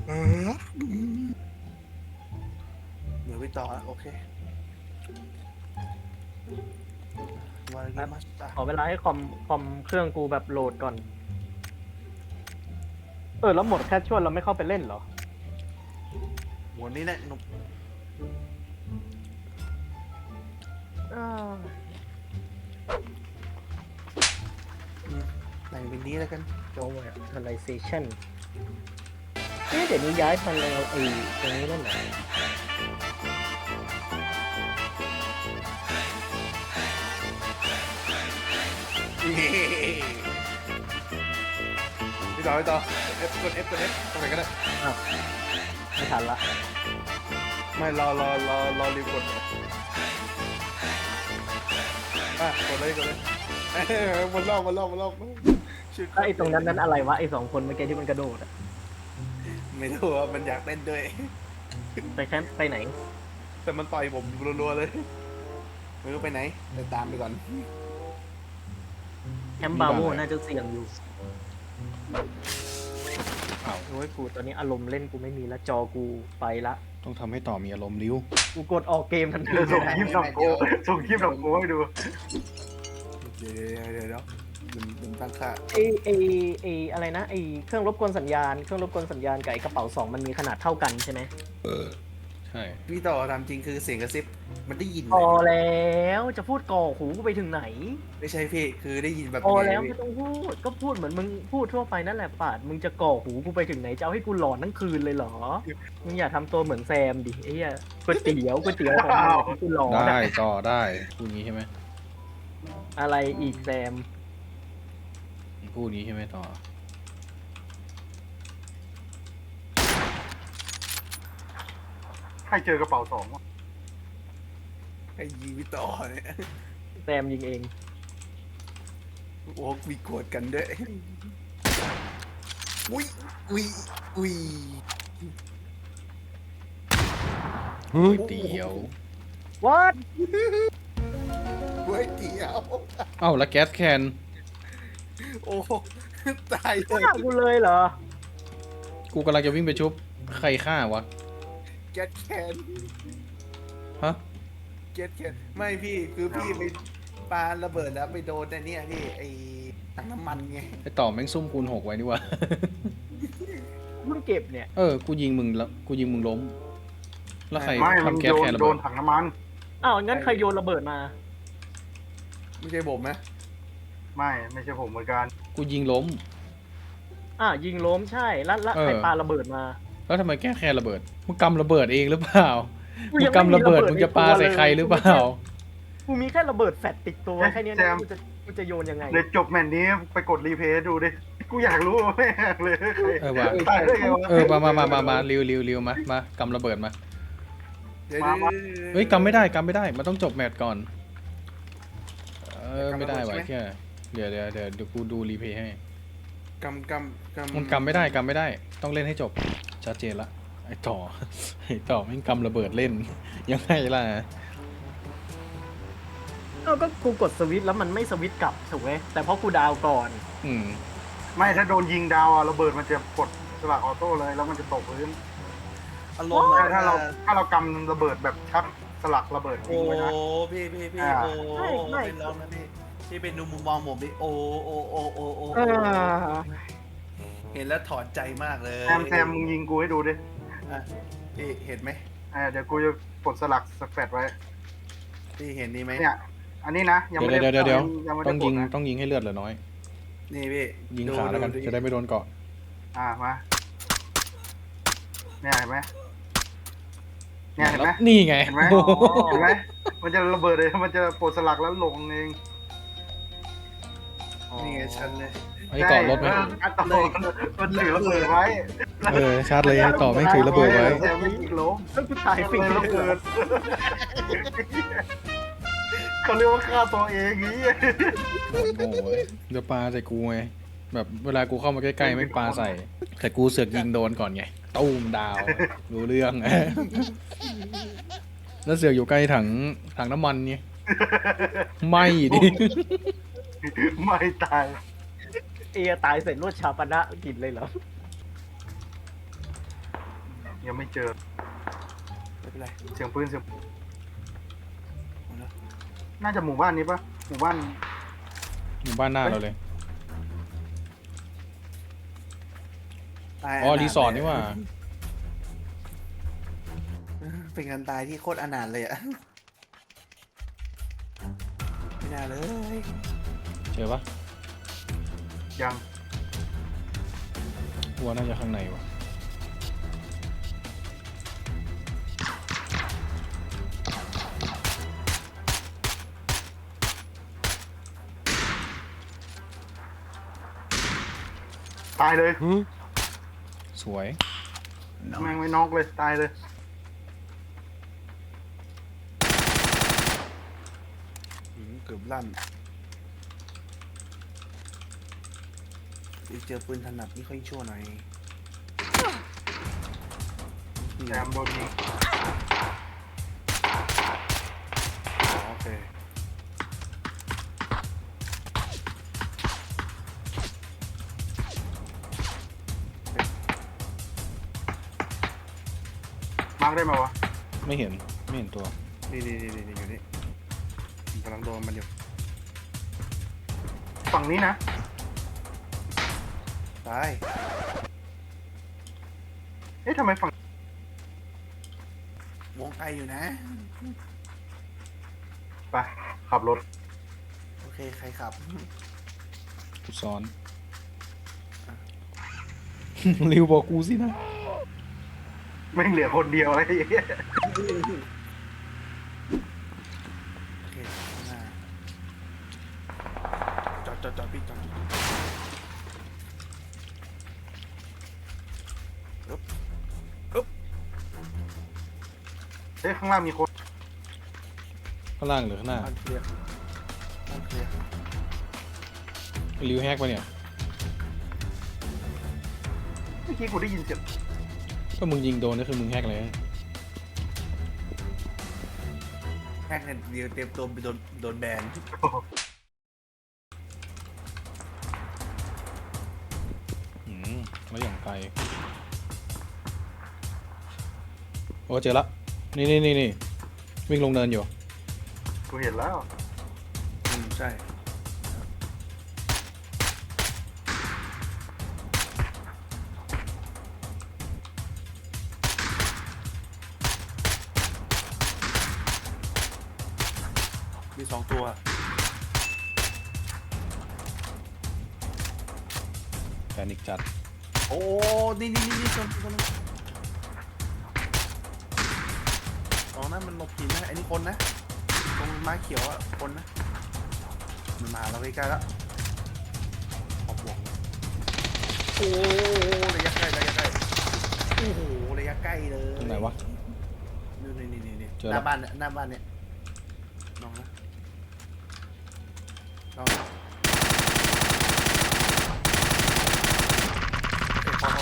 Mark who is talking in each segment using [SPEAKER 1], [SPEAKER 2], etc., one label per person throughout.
[SPEAKER 1] เดี๋ยวไปต่อโอเคมาเกมมาสตาร์
[SPEAKER 2] ขอเวลาให้คอมเครื่องกูแบบโหลดก่อนแล้วหมดแค่ชวนเราไม่เข้าไปเล่นเหรอ
[SPEAKER 1] หมวดนี้แหละหนุกแต่งเป็นนี้แล้วกัน
[SPEAKER 2] Visualization เดี๋ยวนี้ย้ายมาแล้วตรงนี้แล้วเหรอ
[SPEAKER 1] ไปต่อไปต่อ F กด F กด F ตรงไหนก็ได้
[SPEAKER 2] อ้าวไม่ทันละ
[SPEAKER 1] ไม่รอรีบกดกดเลยกดเลยมันรอบชื่อ
[SPEAKER 2] แล้วไอ้ตรงนั้นอะไรวะไอ้สองคนเมื่อกี้ที่มันกระโดดอะ
[SPEAKER 1] ไม่รู้ว่ามันอยากเล่นด้วย
[SPEAKER 2] ไปแคมป์ไปไหน
[SPEAKER 1] แต่มันต่อยผมรัวๆเลยไม่รู้ไปไหนแต่ตามไปก่อน
[SPEAKER 2] แคมป์บาโวน่าจะเสี่ยงอยู่
[SPEAKER 3] อ้าว
[SPEAKER 2] โอ้ยกูตอนนี้อารมณ์เล่นกูไม่มีแล้วจอกูไปละ
[SPEAKER 3] ต้องทำให้ต่อมีอารมณ์ริ้ว
[SPEAKER 2] กูกดออกเกมทันที
[SPEAKER 4] ส่งคลิปดอกโกให้ดู
[SPEAKER 1] เดี๋ยวมันตั้งค่า
[SPEAKER 2] ไออะไรนะไอเครื่องรบกวนสัญญาณกับไอกระเป๋า2มันมีขนาดเท่ากันใช่ไหม
[SPEAKER 3] ใช่
[SPEAKER 1] พี่ต่อทำจริงคือเสียงกระซิบมันได้ยิน
[SPEAKER 2] พอแล้วจะพูดก่อหูกูไปถึงไหน
[SPEAKER 1] ไม่ใช่พี่คือได้ยินแบบ
[SPEAKER 2] พอแล้วไม่ต้องพูดก็พูดเหมือนมึงพูดทั่วไปนั่นแหละปาดมึงจะก่อหูกูไปถึงไหนจะเอาให้กูหลอนทั้งคืนเลยเหรอมึงอย่าทำตัวเหมือนแซมดิไอ้เหี้ยก๋วยเตี๋ยวของมึงให้กูหลอน
[SPEAKER 3] ได้
[SPEAKER 2] อะ
[SPEAKER 3] ต่อได้พูดงี้ใช่ไหม
[SPEAKER 2] อะไรอีกแซม
[SPEAKER 3] พูดงี้ใช่ไหมต่อ
[SPEAKER 4] ใครเจอกระเป๋าสองวะ
[SPEAKER 1] ไอ้ยีพี่ต่อเนี่ย
[SPEAKER 2] แซมยิงเอง
[SPEAKER 1] โอ้มีโกรธกันด้วยอุ้ย
[SPEAKER 3] เฮ้ยเตี๋ยว
[SPEAKER 2] วัด
[SPEAKER 1] ก๋วยเตี๋ยว
[SPEAKER 3] เอ้าแล้วแก๊สแคน
[SPEAKER 1] โอ้ตายเล
[SPEAKER 2] ฆ่าย กูเลยเหรอ
[SPEAKER 3] กูกำลังจะวิ่งไปชุบใครฆ่าวะ
[SPEAKER 1] แก๊สแคน
[SPEAKER 3] ฮะ
[SPEAKER 1] แก๊สแคนไม่พี่คือพี่ไปปาระเบิดแล้วไปโดนแต่เนี่ยพี่ไอ้ถังน้ำมันไง
[SPEAKER 3] ไอต่อแม่งซุ่มคูณ6ไว้นี่วะ
[SPEAKER 2] มึงเก็บเนี่ย
[SPEAKER 3] กูยิงมึงแล้วกูยิงมึงล้ม แล้วใคร
[SPEAKER 4] ไม่มัน
[SPEAKER 3] ทำแก๊ส
[SPEAKER 4] โย
[SPEAKER 3] แคน นระ
[SPEAKER 4] โด
[SPEAKER 3] เบิ
[SPEAKER 4] น
[SPEAKER 3] ด
[SPEAKER 4] ถังน้ำมัน
[SPEAKER 2] อ้าวงั้นใครโยนระเบิดมา
[SPEAKER 1] ไม่ใช่ผมนะ
[SPEAKER 4] ไม่ใช่ผมเหมือนกัน
[SPEAKER 3] กูยิงล้ม
[SPEAKER 2] ยิงล้มใช่แล้ว
[SPEAKER 3] เออ
[SPEAKER 2] ใครปาระเบิดมา
[SPEAKER 3] แล้วทำไมแก๊สแคนระเบิดมึงกำระเบิดเองหรือเปล่า
[SPEAKER 2] กู
[SPEAKER 3] มึ
[SPEAKER 2] ยัง ง
[SPEAKER 3] กำระเบิด
[SPEAKER 2] ไม่มีระเบิด
[SPEAKER 3] มึงจะปาใส่ใครหรือเปล่า
[SPEAKER 2] กูมีแค่ระเบิดแฟตติดตัวแค่เนี้ยนะกูจะโยนยังไง
[SPEAKER 4] เดี๋ยวจบแมตช์นี้ไปกดรีเพย์ดูดิ กูอยากรู้แม่งเลยใคร
[SPEAKER 3] เออว่ะ
[SPEAKER 4] ตายได้ไงวะ
[SPEAKER 3] มาริวมากำระเบิดมา
[SPEAKER 1] เดี๋ยว
[SPEAKER 3] เฮ้ยกำไม่ได้มันต้องจบแมตช์ก่อน ไม่ได้ว่ะแค่เดี๋ยวกูดูรีเพย์ให้
[SPEAKER 1] กำ
[SPEAKER 3] มันกำไม่ได้ต้องเล่นให้จบชัดเจนละไอ้ต่อ แม่งกำระเบิดเล่น ยังไงล่ะ
[SPEAKER 2] ก็กูกดสวิตช์แล้วมันไม่สวิตช์กลับถูกไหมแต่เพราะกูดาวก่อน
[SPEAKER 3] อืม
[SPEAKER 4] ไม่ถ้าโดนยิงดาวอะระเบิดมันจะกดสลักออโต้เลยแล้วมันจะตกพื้น
[SPEAKER 1] อารมณ์
[SPEAKER 4] ใช่ถ้าเรากำระเบิดแบบชักสลักระเบิด
[SPEAKER 1] โอ้
[SPEAKER 4] ทิ้งไว้นะ
[SPEAKER 1] พี่
[SPEAKER 4] อ่า
[SPEAKER 1] โอ้เป็นร้องนะพี่เป็นดูมุมมองผมดิโอ้เห็นแล้วถอนใจมากเลย
[SPEAKER 4] แซมมึงยิงกูให้ดูดิ
[SPEAKER 1] พี่เห็นไหม
[SPEAKER 4] เดี๋ยวกูจะกดสลักสแฟตไว้
[SPEAKER 1] พี่เห็นนี่ไหม
[SPEAKER 4] เนี่ย อันนี้นะยังไม่ได้
[SPEAKER 3] เดี๋ยว
[SPEAKER 4] ยังไม่
[SPEAKER 3] ต้
[SPEAKER 4] ได้
[SPEAKER 3] อง
[SPEAKER 4] ก
[SPEAKER 3] ยิ
[SPEAKER 4] ด
[SPEAKER 3] ง
[SPEAKER 4] นะ
[SPEAKER 3] ต้องยิงให้เลือดเหลือน้อย
[SPEAKER 1] นี่พี่
[SPEAKER 3] ยิงขาแล้วกันจะได้ไม่โดนเกาะ
[SPEAKER 4] มาเนี่ยเห็นไหมเนี่ยเห็นไหม
[SPEAKER 3] นี่ไง
[SPEAKER 4] เห็นไหมเห็นไหมมันจะระเบิดเลยมันจะปลดสลักแล้วลงเอง
[SPEAKER 1] นี่ไงชันเลย
[SPEAKER 3] ไอ้เกาะรถไหม
[SPEAKER 4] อันต่อมันถือระเบิดไว้
[SPEAKER 3] ชาร์จเลยไอ้ต่อแม่งถือระเบิดไว้
[SPEAKER 4] แต่ไม่ยิงล้ม
[SPEAKER 2] แล้วกูตายฟรี
[SPEAKER 4] ระเบิดเขาเรียกว่าฆ่าตัวเองงี้
[SPEAKER 3] โอ้ยจะปาใส่กูไงแบบเวลากูเข้ามาใกล้ๆไม่งปาใส่ แต่กูเสือกยิงโดนก่อนไงตู้มดาวรู้เรื่อง แล้วเสือกอยู่ใกล้ถังน้ำมันไงไม่ดิ
[SPEAKER 4] ไม่ตาย
[SPEAKER 2] ตายเสร็จรวดชาปนะกินเลยเหรอ
[SPEAKER 4] ยังไม่เจอ
[SPEAKER 1] ไม่เป็นไร
[SPEAKER 4] เสียงปืนเสียง
[SPEAKER 1] เอาละ
[SPEAKER 4] น่าจะหมู่บ้านนี้ปะหมู่บ้าน
[SPEAKER 3] หมู่บ้านหน้าเราเลย
[SPEAKER 1] ตาย
[SPEAKER 3] อ๋อ
[SPEAKER 1] นาถ
[SPEAKER 3] รีสอร์ทนี่หว่า
[SPEAKER 1] เป็นการตายที่โคตรอนาถเลยอะไม่น่าเลย
[SPEAKER 3] เจอปะ
[SPEAKER 4] ยัง
[SPEAKER 3] วัวน่าจะข้างในวะ
[SPEAKER 4] ตายเลย
[SPEAKER 3] สวย
[SPEAKER 4] แม่งไม่น็อกเลยตายเลย
[SPEAKER 1] เกือบลั่นเจอปืนถนัดนี่ค่อยชั่วหน่อย
[SPEAKER 4] แซมโดนยิง
[SPEAKER 1] โอเค
[SPEAKER 4] มาร์กได้ไหมวะ
[SPEAKER 3] ไม่เห็นตัว
[SPEAKER 1] นี่อยู่นี่ผมกำลังโดนมันอยู่
[SPEAKER 4] ฝั่งนี้นะ
[SPEAKER 1] ตาย
[SPEAKER 4] เอ๊ะทำไมฝั่ง
[SPEAKER 1] วงไกลอยู่นะ
[SPEAKER 4] ไปขับรถ
[SPEAKER 1] โอเค ใครขับ
[SPEAKER 3] กูซ้อน ริวบอกกูสินะ
[SPEAKER 4] แม่งเหลือคนเดียวอะไรอย่างเงี้ย
[SPEAKER 1] โอเคข้างหน้าจอดพี่จอดอึ๊บ
[SPEAKER 4] เฮ้ยข้างล่างมีคน
[SPEAKER 3] ข้างล่างหรือข้างหน้า
[SPEAKER 1] บ้านเคลียร์บ้านเคลียร์
[SPEAKER 3] ริวแฮกปะเนี่ย
[SPEAKER 4] เมื่อกี้กูได้ยินเสียง
[SPEAKER 3] ก็มึงยิงโดนก็คือมึงแฮกเลย
[SPEAKER 1] แฮกเนี่ยเดี๋ยวเตรียมตัวไปโดนแบน
[SPEAKER 3] แล้วอย่างไกลโอ้เจอละนี่วิ่งลงเนินอยู่
[SPEAKER 4] กูเห็นแล้ว
[SPEAKER 1] ใช่มี2 ตัว
[SPEAKER 3] แพนิกจัด
[SPEAKER 1] โอ้ นี่คนอ๋อนั่นมันนกหินนะไอ้นี่คนนะ ตรงไม้เขียวอ่ะ คนนะ มันมาเราใกล้ๆแล้วขอบวงโอ้ระยะใกล้โอ้โหระยะใกล้เลย
[SPEAKER 3] ตรงไหนวะ
[SPEAKER 1] นี่
[SPEAKER 3] เจอ
[SPEAKER 1] ห
[SPEAKER 3] แล้ว
[SPEAKER 1] น้าบ้านเนี่ยลองนะลองนะพอ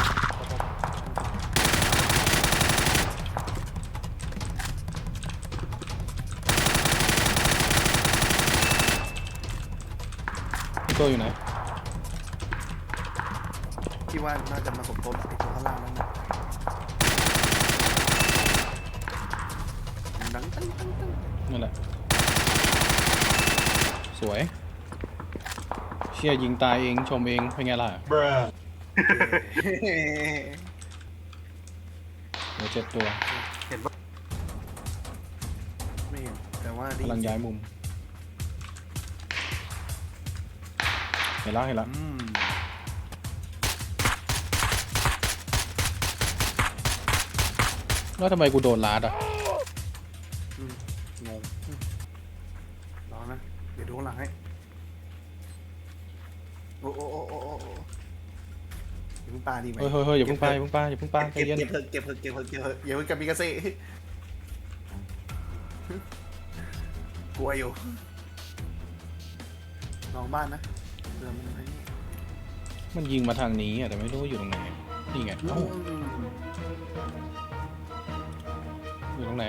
[SPEAKER 3] พี่ตัวอยู่ไหน
[SPEAKER 1] ที่ว่าน่าจะมาสมทบไอ้ตัวข้างล่างนั่นนะดังตั้ง
[SPEAKER 3] นั่นแหละ สวย เชี่ยยิงตายเองชมเองเป็นไงล่ะเหลือ7 ตัว
[SPEAKER 4] เห็นปะ
[SPEAKER 1] ไม่เห็นแต่ว่าดี
[SPEAKER 3] กำลังย้ายมุม เห็นแล้วแล้วทำไมกูโดนลาดอ่ะ
[SPEAKER 1] งงรอนะเดี๋ยวดูข้างหลังให้โอ้อย่าเพิ่งปาดีไหม
[SPEAKER 3] เฮ้ยอย่าเพิ่งไปใจเย็น
[SPEAKER 1] เก็บอย่าเพิ่งกับมิกาเซ่กลัวอยู่ลองบ้านนะเดินมันไอ้นี่
[SPEAKER 3] มันยิงมาทางนี้อ่ะแต่ไม่รู้ว่าอยู่ตรงไหน นี่ไงเอ้าอยู่ตรงไหน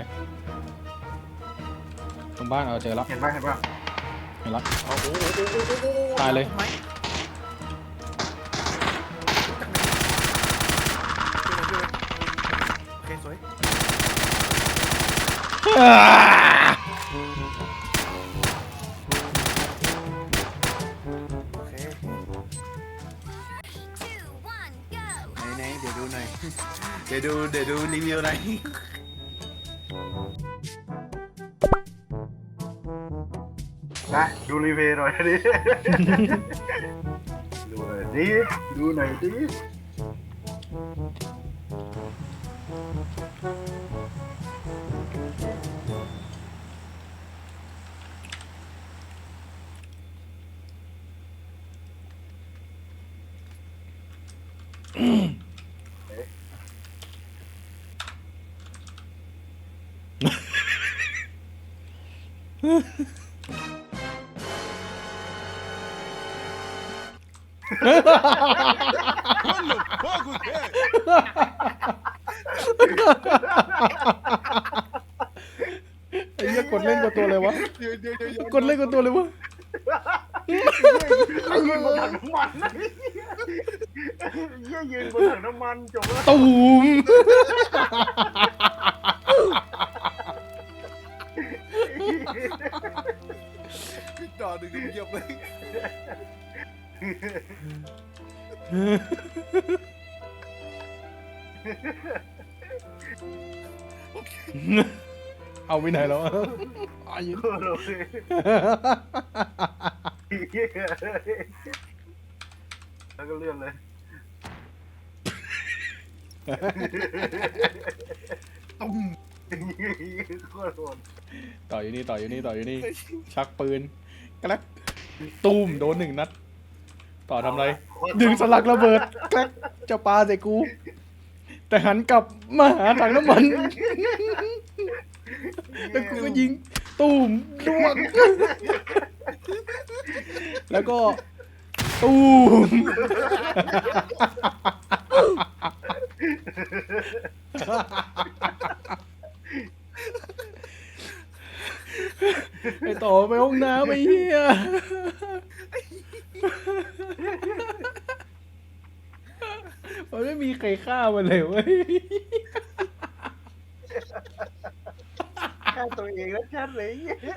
[SPEAKER 3] ตรงบ้านเอาเจอแล้ว
[SPEAKER 4] เห็นปะ
[SPEAKER 3] เห็นแล้ว
[SPEAKER 1] โอ้โห
[SPEAKER 3] ตายเลย
[SPEAKER 1] เ
[SPEAKER 3] อ่า
[SPEAKER 1] โอเคไหนเดี๋ยวดูหน่อย เดี๋ยวดูรีวิวหน่อย
[SPEAKER 4] นะดูรีวิวหน่อยดิ ดูหน่อยดิ
[SPEAKER 3] ไอ้เหี้ยกดเล่นกับตัวอะไรวะกดเล่นกับตัวอะไรวะ
[SPEAKER 4] ยืนบนถังน้ำมันนะยืนบนถังน้ำมันจบแล้ว
[SPEAKER 3] ตูม
[SPEAKER 1] จอดึงเงียบเลย
[SPEAKER 3] เอาไปไหนแล้วอายุ
[SPEAKER 4] โอเคแล้วก็เลื่อนเลย
[SPEAKER 1] ตุ้ม
[SPEAKER 4] โคตรโหด
[SPEAKER 3] ต่ออยู่นี่ชักปืนกระลักตูมโดน1 นัด ต่อทำไร ดึงสลักระเบิดแกลกจะปาใส่กู แต่หันกลับมาหาถังน้ำมัน แล้วกูก็ยิงตูมล่วง แล้วก็ตูม ไอต่อไปห้องน้ำไอ้เหี้ย มันไม่มีใครฆ่ามันเลยเว้ย
[SPEAKER 4] ฆ่าตัวเองแล้วชัดเลย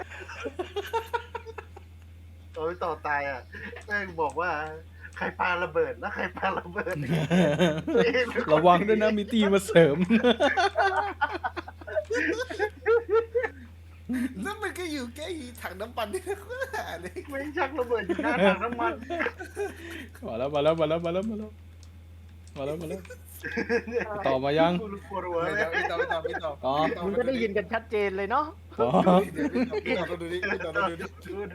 [SPEAKER 4] ต่อตายอ่ะแม่งบอกว่าใครปาระเบิดแล้วใครปาระเบิด
[SPEAKER 3] ระวังด้วยนะมีตีมาเสริม
[SPEAKER 1] แล้วมันก็อยู่ใกล้ถังน้ำมันนี่นะเลย
[SPEAKER 4] ไม่ชักระเบิดอยู่หน้าถังน้ำมัน
[SPEAKER 3] มาแล้วต่อมายัง
[SPEAKER 4] กูปวดหัว
[SPEAKER 1] ไม่
[SPEAKER 4] เลย
[SPEAKER 1] ต่อ
[SPEAKER 3] อ๋อ
[SPEAKER 2] มึงก็ได้ยินกันชัดเจนเลยเนาะ
[SPEAKER 3] ต่อ
[SPEAKER 1] พี่ต่อดูดิ
[SPEAKER 4] ดู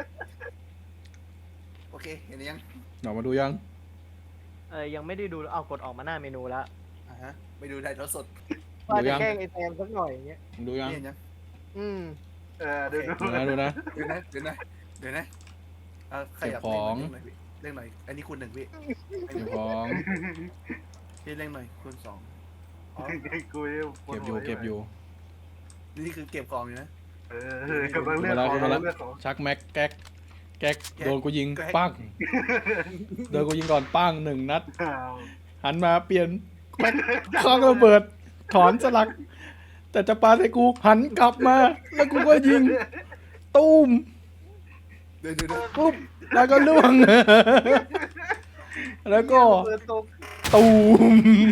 [SPEAKER 1] โอเคเห็นยัง
[SPEAKER 3] หนอมาดูยัง
[SPEAKER 2] ยังไม่ได้ดูเอากดออกมาหน้าเมนูแล้ว
[SPEAKER 1] ไปดูถ่ายทอดสด
[SPEAKER 2] ว่าจะแกล้งไอ้แซมสักหน่อยอย่างเงี้ย
[SPEAKER 3] มึงดูยัง
[SPEAKER 1] เห็นยัง
[SPEAKER 2] อืม
[SPEAKER 4] ดู
[SPEAKER 3] ดูนะ
[SPEAKER 1] เดี๋ยวนะขยับเร่งหน่อยอันนี้คูณ 1พี่
[SPEAKER 3] เก็บของ
[SPEAKER 1] พี่เร่งหน่อยคูณ 2
[SPEAKER 4] กู
[SPEAKER 3] เก็บอยู่
[SPEAKER 1] นี่คือเก็บของอยู่นะ
[SPEAKER 4] กำลังเลือกของ
[SPEAKER 3] ชักแม็กแก๊กโดนกูยิงปั้งโดนกูยิงก่อนปั้ง1 นัด หันมาเปลี่ยนแม็กคว้างระเบิด ถอนสลัก แต่จะปาใส่กูหันกลับมา แล้วกูก็ยิงตูม
[SPEAKER 1] เดี๋ยว
[SPEAKER 3] ปุ๊บแล้วก็ล่วง แล้วก็ตูม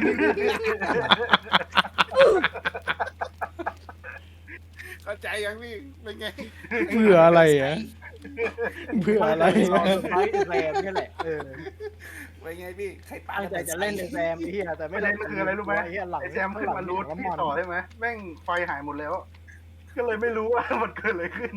[SPEAKER 1] เข้าใจยังพี่เป็นไง
[SPEAKER 3] เพื่ออะไรอ่ะเพื่ออะไร
[SPEAKER 2] ตอนสุดท้ายไอ้แซมนี่แหละ
[SPEAKER 1] เป็นไงพี่ใครปา
[SPEAKER 2] ตั้งใจจะเล่นไอ้แซมไอ้เหี้ยแต่ไม่
[SPEAKER 4] ไม่ได้คืออะไรรู้ไหม
[SPEAKER 2] ไอ้เหี้ยหลัง
[SPEAKER 4] แซมขึ้นมารูทที่ต่อใช่ไหมแม่งไฟหายหมดแล้ว ก็เลยไม่รู้ว่ามันเกิดอะไรขึ้น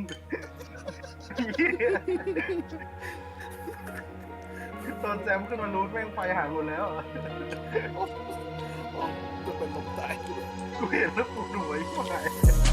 [SPEAKER 4] ตอนแซมขึ้นมารูทแม่งไฟหายหมดแล้ว
[SPEAKER 1] จะเป็นลมตาย
[SPEAKER 4] กูเห็นแล้วกูดูไอ้พวกไหน